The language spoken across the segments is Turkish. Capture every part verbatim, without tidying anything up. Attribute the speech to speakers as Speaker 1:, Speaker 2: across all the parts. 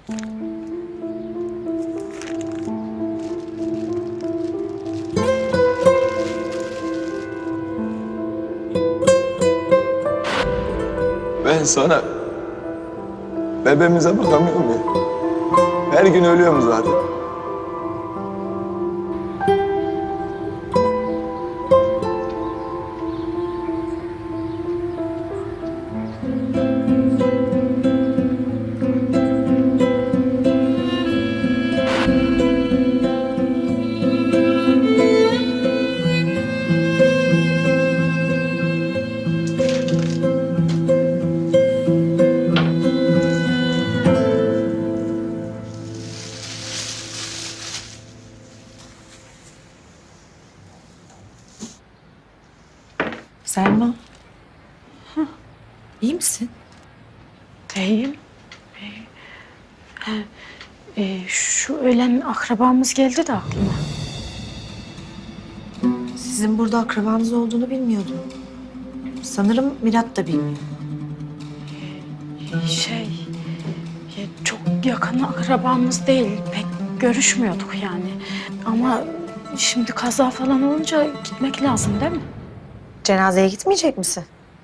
Speaker 1: Ben sana bebeğimize bakamıyorum ya. Her gün ölüyorum zaten.
Speaker 2: Selma. Hı. İyi misin?
Speaker 3: İyiyim. Ee, e, şu ölen akrabamız geldi de aklıma.
Speaker 2: Sizin burada akrabanız olduğunu bilmiyordum. Sanırım Mirat da bilmiyor.
Speaker 3: Şey, e, çok yakın akrabamız değil. Pek görüşmüyorduk yani. Ama şimdi kaza falan olunca gitmek lazım değil mi?
Speaker 2: Cenazeye gitmeyecek misin?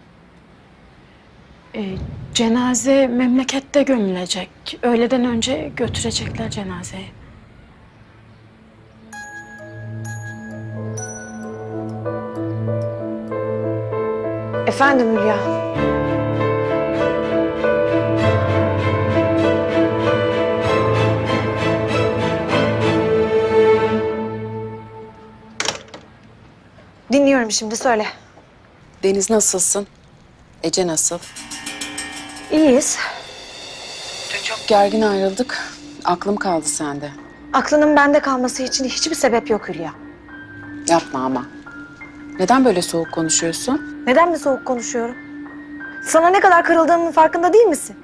Speaker 3: Ee, cenaze memlekette gömülecek. Öğleden önce götürecekler cenazeyi.
Speaker 2: Efendim Hülya. Dinliyorum şimdi, söyle.
Speaker 4: Deniz nasılsın? Ece nasıl?
Speaker 2: İyiyiz.
Speaker 4: Dün çok gergin ayrıldık. Aklım kaldı sende.
Speaker 2: Aklının bende kalması için hiçbir sebep yok Hülya.
Speaker 4: Yapma ama. Neden böyle soğuk konuşuyorsun?
Speaker 2: Neden mi soğuk konuşuyorum? Sana ne kadar kırıldığımın farkında değil misin?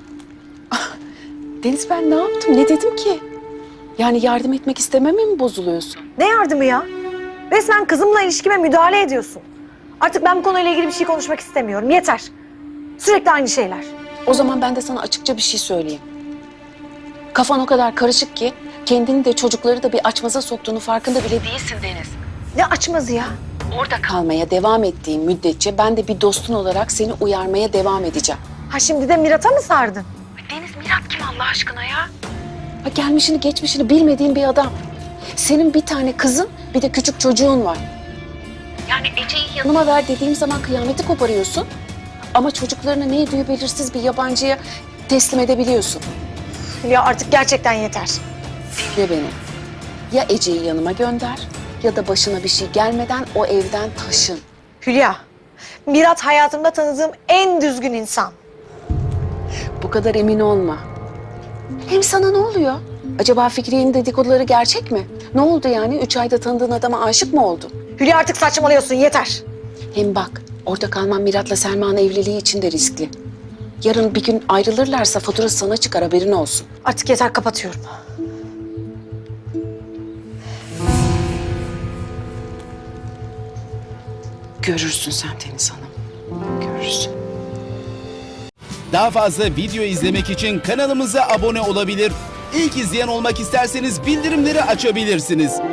Speaker 4: Deniz ben ne yaptım? Ne dedim ki? Yani yardım etmek istememe mi bozuluyorsun?
Speaker 2: Ne yardımı ya? Resmen kızımla ilişkime müdahale ediyorsun. Artık ben bu konuyla ilgili bir şey konuşmak istemiyorum. Yeter. Sürekli aynı şeyler.
Speaker 4: O zaman ben de sana açıkça bir şey söyleyeyim. Kafan o kadar karışık ki kendini de çocukları da bir açmaza soktuğunu farkında bile değilsin Deniz.
Speaker 2: Ne açmazı ya?
Speaker 4: Orada kalmaya devam ettiğin müddetçe ben de bir dostun olarak seni uyarmaya devam edeceğim.
Speaker 2: Ha şimdi de Mirat'a mı sardın?
Speaker 4: Deniz Mirat kim Allah aşkına ya? Ha, gelmişini geçmişini bilmediğin bir adam. Senin bir tane kızın bir de küçük çocuğun var. Yani Ece'yi yanıma ver dediğim zaman kıyameti koparıyorsun. Ama çocuklarını ne yediği belirsiz bir yabancıya teslim edebiliyorsun.
Speaker 2: Hülya artık gerçekten yeter.
Speaker 4: Dinle beni. Ya Ece'yi yanıma gönder ya da başına bir şey gelmeden o evden taşın.
Speaker 2: Hülya, Mirat hayatımda tanıdığım en düzgün insan.
Speaker 4: Bu kadar emin olma. Hem sana ne oluyor? Acaba Fikriye'nin dedikoduları gerçek mi? Ne oldu yani? Üç ayda tanıdığın adama aşık mı oldun?
Speaker 2: Hülya artık saçmalıyorsun, yeter.
Speaker 4: Hem bak, orada kalman Mirat'la Selma'nın evliliği için de riskli. Yarın bir gün ayrılırlarsa faturası sana çıkar, haberin olsun.
Speaker 2: Artık yeter, kapatıyorum.
Speaker 4: Görürsün sen Deniz Hanım, görürsün.
Speaker 5: Daha fazla video izlemek için kanalımıza abone olabilir. İlk izleyen olmak isterseniz bildirimleri açabilirsiniz.